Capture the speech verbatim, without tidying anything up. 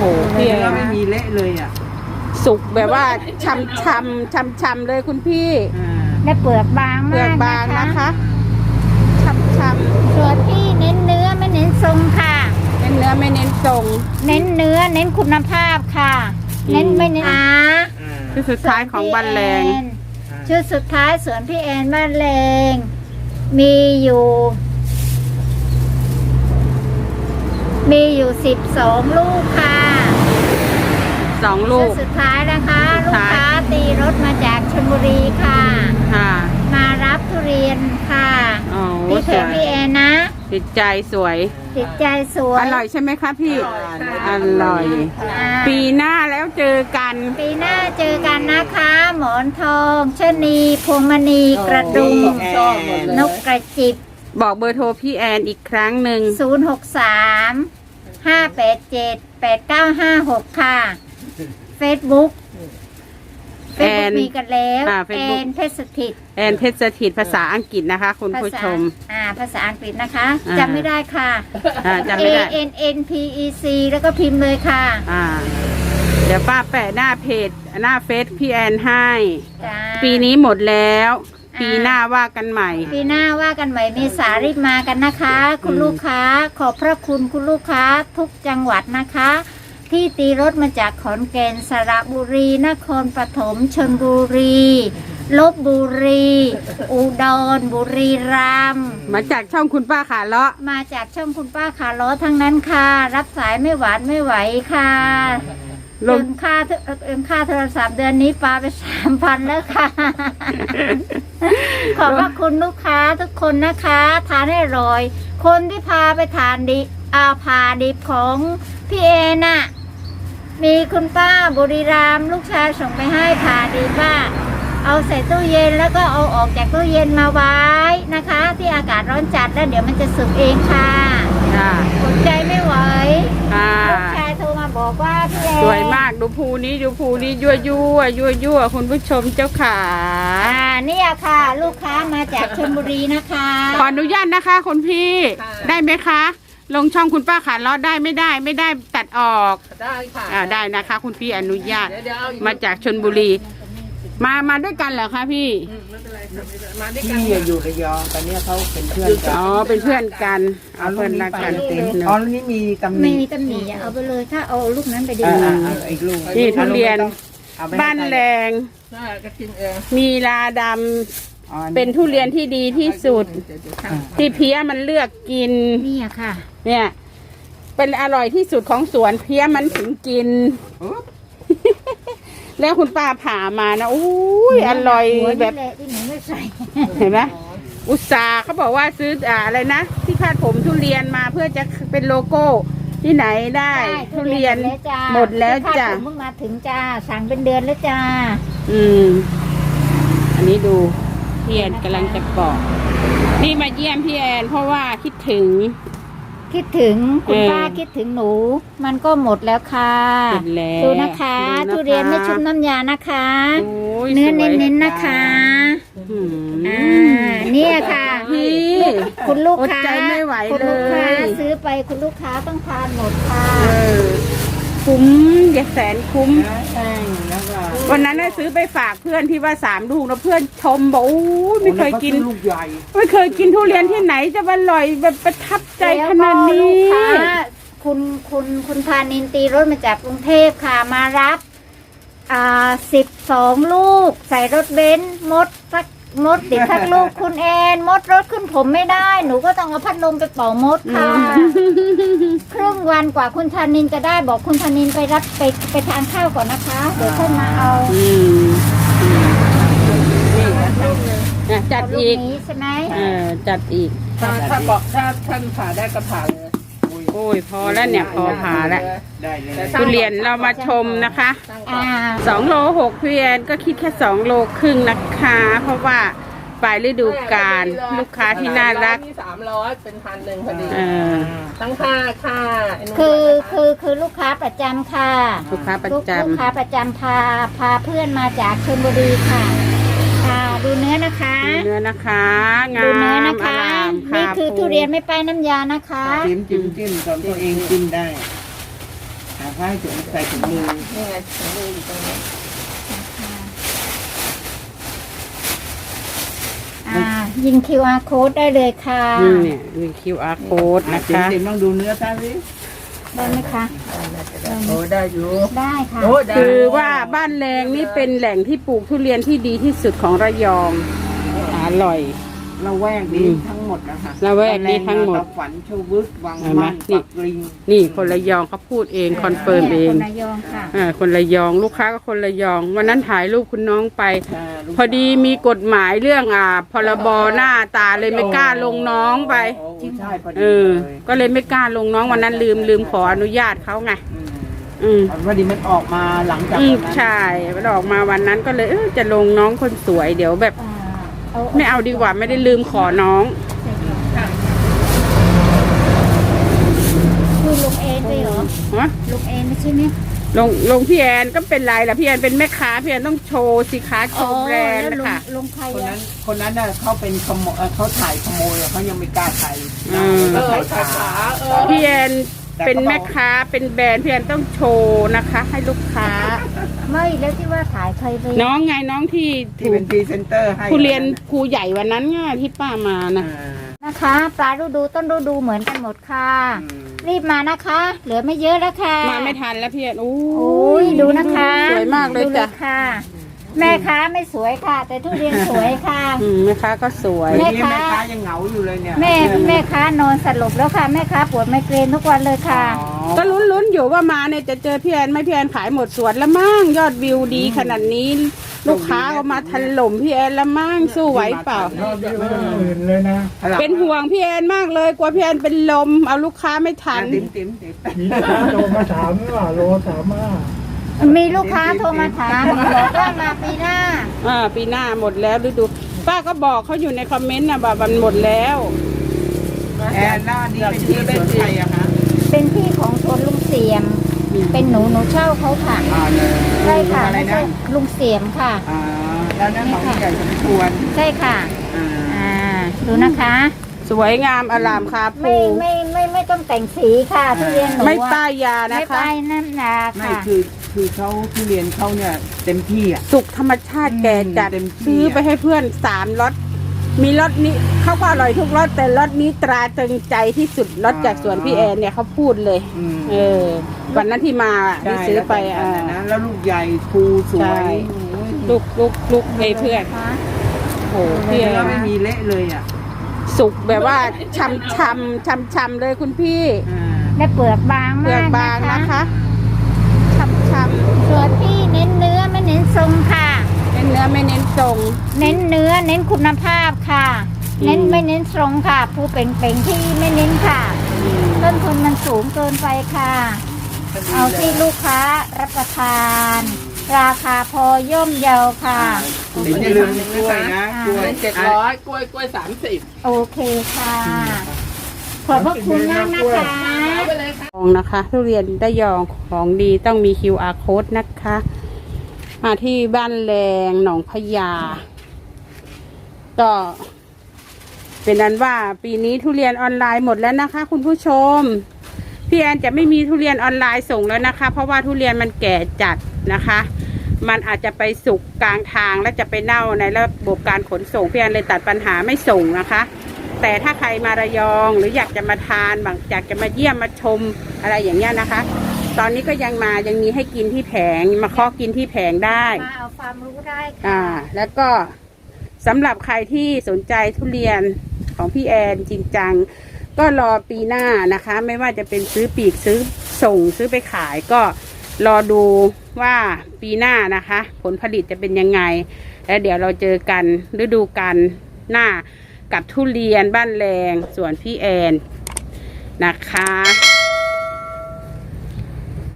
พี่แอนไม่มีเละเลยอ่ะสุกแบบว่าช่ำช่ำช่ำช่ำเลยคุณพี่และเปลือกบางมากเปลือกบางนะคะช่ำช่ำส่วนพี่เน้นเนื้อไม่เน้นทรงค่ะเน้นเนื้อไม่เน้นทรงเน้นเนื้อเน้นคุณภาพค่ะ เน้นไม่เน้นอาชุดสุดท้ายของบ้านแรงชุดสุดท้ายสวนพี่แอนบ้านแรงมีอยู่มีอยู่สิบสองลูกค่ะสองลูกสุดท้ายนะคะลูกค้าตีรถมาจากชลบุรีค่ะค่ะมารับทุเรียนค่ะพี่เพชรพี่แอนนะติดใจสวยติดใจสวยอร่อยใช่ไหมคะพี่อร่อยปีหน้าแล้วเจอกันปีหน้าเจอกันนะคะหมอนทองชนีพวงมณีกระดุมนกกระจิบบอกเบอร์โทรพี่แอนอีกครั้งหนึ่งศูนย์หกสามห้าแปดเจ็ดแปดเก้าห้าหกค่ะเฟซบุ๊กเฟซบุ๊กมีกันแล้วแอนเพชรสถิตแอนเพชรสถิตภาษาอังกฤษนะคะคุณผู้ชมอ่าภาษาอังกฤษนะคะจำไม่ได้ค่ะจำไม่ได้ A N N P E C แล้วก็พิมพ์เลยค่ะอ่าเดี๋ยวป้าแปะหน้าเพจหน้าเฟซพี่แอนให้ปีนี้หมดแล้วปีหน้าว่ากันใหม่ปีหน้าว่ากันใหม่มีสารีบมากันนะคะคุณลูกค้าขอบพระคุณคุณลูกค้าทุกจังหวัดนะคะที่ตีรถมาจากขอนแก่นสระบุรีนครปฐมชลบุรีลพบุรีอุดรบุรีรัมย์มาจากช่องคุณป้าขาเลาะมาจากช่องคุณป้าขาเลาะทั้งนั้นค่ะรับสายไม่หวานไม่ไหวค่ะเงินค่าเงินค่าโทรศัพท์เดือนนี้ปาไปสามพันแล้วค่ะขอบพระคุณลูกค้าทุกคนนะคะทานให้อร่อยคนที่พาไปทานดิอาพาดิบของพี่เอน่ะมีคุณป้าบุรีรัมย์ลูกชายส่งไปให้พาดิบว่าเอาใส่ตู้เย็นแล้วก็เอาออกจากตู้เย็นมาไว้นะคะที่อากาศร้อนจัดแล้วเดี๋ยวมันจะสุกเองค่ะอดใจไม่ไหวลูกชายโทรมาบอกว่าพี่เอสวยมากดูภูนี้ดูภูนี้ยั่วยั่วยั่วยั่วคุณผู้ชมเจ้าขาอ่าเนี่ยค่ะลูกค้ามาจากชลบุรีนะคะขออนุญาตนะคะคุณพี่ได้ไหมคะลงช่องคุณป้าขาเลาะได้ไม่ได้ไม่ได้ตัดออกได้ค่ะอ่าได้นะคะคุณพี่อนุญาตมาจากชลบุรีมามาด้วยกันเหรอคะพี่ไม่เป็นไรมาด้วยกันพี่อยู่ระยองตอนนี้เขาเป็นเพื่อนกันอ๋อเป็นเพื่อนกันเอาเพื่อนรักกันอ๋อนี่มีตำหนิไม่มีตำหนิเอาไปเลยถ้าเอาลูกนั้นไปดีอีกลูกนี่ทุเรียนบ้านแรงมีลาดำเป็นทุเรียนที่ดีที่สุดที่เพี้ยมันเลือกกินนี่ค่ะเนี่ยเป็นอร่อยที่สุดของสวนเพี้ยมันถึงกินแล้วคุณป้าผ่ามานะอุ้ยอร่อยแบบเห็นไหมอุตสาห์เขาบอกว่าซื้ออะไรนะที่คาดผมทุเรียนมาเพื่อจะเป็นโลโก้ที่ไหนได้ทุเรียนหมดแล้วจ้ะเพิ่งมาถึงจ้าสั่งเป็นเดือนแล้วจ้าอืมอันนี้ดูพี่แอนกำลังจะปอกนี่มาเยี่ยมพี่แอนเพราะว่าคิดถึงคิดถึงคุณป้าคิดถึงหนูมันก็หมดแล้วค่ะดูนะคะทุเรียนไม่ชุบน้ำยานะคะเนื้อเน้นๆนะคะอ่าเนี่ยค่ะพี่คุณลูกค้าคุณลูกค้าซื้อไปคุณลูกค้าต้องทานหมดค่ะคุ้มอย่าแสนคุ้มวันนั้นได้ซื้อไปฝากเพื่อนที่ว่าสามลูกแล้วเพื่อนชมบอกโอ้ไม่เคยกินไม่เคยกินทุเรียนที่ไหนจะอร่อยแบบประทับใจขนาดนี้คุณคุณคุณพานินตีรถมาจากกรุงเทพค่ะมารับอ่าสิบสองลูกใส่รถเบนซ์มดสักมดติดทั้งลูกคุณแอนมดรถขึ้นผมไม่ได้หนูก็ต้องเอาพัดลมไปเป่ามดค่ะครึ่งวันกว่าคุณธานินจะได้บอกคุณธานินไปรับไปไปทานข้าวก่อนนะคะเดี๋ยวท่านมาเอาจัดอีกใช่ไหมเออจัดอีกถ้าถ้าบอกถ้าท่านผ่าได้ก็ผ่าเลยโอ้ยพอแล้วเนี่ยพอผ่าแล้วทุเรียนเรามาชมนะคะสองโลหกพี่แอนก็คิดแค่สองโลครึ่งนะคะเพราะว่าปลายฤดูกาลลูกค้าที่น่ารักสามร้อยเป็นพันหนึ่งพอดีตั้งค่าค่าคือคือคือลูกค้าประจำค่ะลูกค้าประจำลูกค้าประจำพาพาเพื่อนมาจากชลบุรีค่ะดูเนื้อนะคะเนื้อนะคะดูเนื้อนะคะนี่คือทุเรียนไม่ป้ายน้ำยานะคะจิ้มจิ้มจิ้มตอนตัวเองกินได้ให้ถุงใส่ถุงมือนี่ไงถุงมืออยู่ตรงนี้อ่ายิง คิว อาร์ code ได้เลยค่ะนี่เนี่ยมี คิว อาร์ code นะนะคะ คะเต็มๆต้องดูเนื้อท่านสิได้ไหมคะโอ้ได้อยู่ได้ค่ะโอ้ได้คือว่าบ้านแรงนี่เป็นแหล่งที่ปลูกทุเรียนที่ดีที่สุดของระยองอร่อยละแวกนี้อืมทั้งหมดนะคะละแวกนี้ทั้งหมดตะฝันชวึกวังเห็นไหมมั่นนี่ปักลิงนี่คนระยองเขาพูดเองคอนเฟิร์มเองคนระยองค่ะอ่าคนระยองลูกค้าก็คนระยอง วันนั้นถ่ายรูปคุณน้องไปาลูกพอดีมีกฎหมายเรื่องอ่าพรบหน้าตาเลยไม่กล้าลงน้องไปโอ้ใช่พอดีเออเลยก็เลยไม่กล้าลงน้องวันนั้นลืมลืมขออนุญาตเขาไงอืมอืมพอดีมันออกมาหลังจากอืมนั้นใช่มันออกมาวันนั้นก็เลยเออจะลงน้องคนสวยเดี๋ยวแบบอ่าไม่เอาดีกว่าไม่ได้ลืมขอน้องคือลุงเอ็นด้วยเหรอฮะลุงเอ็นไม่ใช่ไหมลงลงพี่แอนก็เป็นไรล่ะพี่แอนเป็นแม่ค้าพี่แอนต้องโชว์สิค้าโชว์แบรนด์แล้วลุงนะคะลุงใครคนอะนั้นคนนั้นน่ะเขาเป็นขโมยเอ่อเขาถ่ายขโมยอะเขายังไม่กล้าถ่ายอืมเอเขาอถ่ายขาขาขาเออพี่แอนเป็นแม่ค้าเป็นแบรนด์พี่แอนต้องโชว์นะคะ ให้ลูกค้าไม่แล้วที่ว่าถ่ายใครไปน้องไงน้องที่ที่ถูเป็กนพรีเซนเตอร์ให้ครูเรียนครูใหญ่วันนั้นไงที่ป้ามานะอ่านะคะปลาฤดูต้นฤดูเหมือนกันหมดค่ะอืมรีบมานะคะ เหลือไม่เยอะแล้วค่ะมาไม่ทันแล้วพี่แอนโอ้โอ้ยดูนะคะสวยมากเลยดูจ้ะค่ะ แม่ค้าไม่สวยค่ะ แต่ทุเรียนสวยค่ะอืมแม่ค้าก็สวยแม่วันนี้ค้าแม่ค้ายังเหงาอยู่เลยเนี่ยแม่แม่ค้านอนสลบแล้วค่ะแม่ค้าปวดไมเกรนทุกวันเลยค่ะอ๋อก็ลุ้นๆอยู่ว่ามาเนี่ยจะเจอพี่แอนไหม่พี่แอนขายหมดสวนแล้วมั่งยอดวิวดีขนาดนี้ ลูกค้าก็มาถล่มพี่แอนแล้วมั่งสู้ไหวเปล่า เป็นห่วงพี่แอนมากเลยกลัวพี่แอนเป็นลมเอาลูกค้าไม่ทันติ๋มติ๋มติ๋มมีลูกค้าโทรมาถามว่าโลสามห้ามีลูกค้าโทรมาถามบอกว่ามาปีหน้าอ่าปีหน้าหมดแล้วฤดูป้าก็บอกเขาอยู่ในคอมเมนต์นะว่ามันหมดแล้วแอนหน้านี่เป็นที่สวนใครอะคะเป็นที่ของสวนลุงเสียม เป็นหนูหนูเช่าเขาค่ะอ่าเลยใช่ค่ะอะไรไม่นะใช่ลุงเสียมค่ะอ่าแล้วนั่นของผู้ใหญ่สมควรใช่ค่ะอ่าอ่าดูนะคะสวยงามอลามคาไม่ภูไม่ไม่ไม่ต้องแต่งสีค่ะทุเรียนหนูอะไม่ป้ายยานะไม่คะป้ายน้ำหนักไม่ค่ะคือคือเขาทุเรียนเขาเนี่ยเต็มที่อ่ะสุกธรรมชาติแก่จัดเต็มที่ซื้อไปให้เพื่อนสามรสมีรสนี้เขาก็อร่อยทุกรสแต่รสนี้ตราตรึงใจที่สุดรสจากสวนพี่แอนเนี่ยเขาพูดเลยอืมเออวันนั้นที่มาที่ซื้อไปใช่อ่าแล้วแต่งกันนะแล้วลูกใหญ่ภูสวใช่ยโอ้ยลูกลูกลูกให้เพื่อนค่ะโอ้โหพี่แอแล้วนไม่มีเละเลยอ่ะสุกแบบว่าช่ำช่ำช่ำช่ำเลยคุณพี่อ่าและเปลือกบางเปลืมาอกกบางนะนะคะ คะช่ำช่ำส่วนพี่เน้นเนื้อไม่เน้นทรงค่ะเน้นเนื้อไม่เน้นทรงเน้นเนื้อเน้นคุณภาพค่ะอืมเน้นไม่เน้นทรงค่ะ ผู้เป็นเป่งๆที่ไม่เน้นค่ะ ต้นทุนมันสูงเกินไปค่ะ เอาที่ลูกค้ารับประทาน ราคาพอย่อมเยาค่ะเดี๋ยวอย่าลืมกล้วยนะกล้วยเป็นเจ็ดร้อยกล้วยกล้วยสามสิบโอเคค่ะ ขอบพระคุณมากนะคะเอาไปเลยค่ะของนะคะทุเรียนได้ยองของดีต้องมี คิว อาร์ code นะคะ มาที่บ้านแรงหนองพญาก็เป็นนั้นว่าปีนี้ทุเรียนออนไลน์หมดแล้วนะคะ คุณผู้ชมพี่แอนจะไม่มีทุเรียนออนไลน์ส่งแล้วนะคะ เพราะว่าทุเรียนมันแก่จัดนะคะ มันอาจจะไปสุกกลางทางและจะไปเน่าในระบบการขนส่งพี่แอนเลยตัดปัญหาไม่ส่งนะคะ แต่ถ้าใครมาระยองหรืออยากจะมาทานบางอยากจะมาเยี่ยมมาชมอะไรอย่างเงี้ยนะคะ ตอนนี้ก็ยังมายังมีให้กินที่แผงมาเคาะกินที่แผงได้มาเอาความรู้ได้อ่าค่ะแล้วก็สำหรับใครที่สนใจทุเรียนของพี่แอนจริงจังก็รอปีหน้านะคะ ไม่ว่าจะเป็นซื้อปีกซื้อส่งซื้อไปขายก็รอดูว่าปีหน้านะคะ ผลผลิตจะเป็นยังไง แล้วเดี๋ยวเราเจอกันฤดูกาลหน้ากับทุเรียนบ้านแรงสวนพี่แอนนะคะ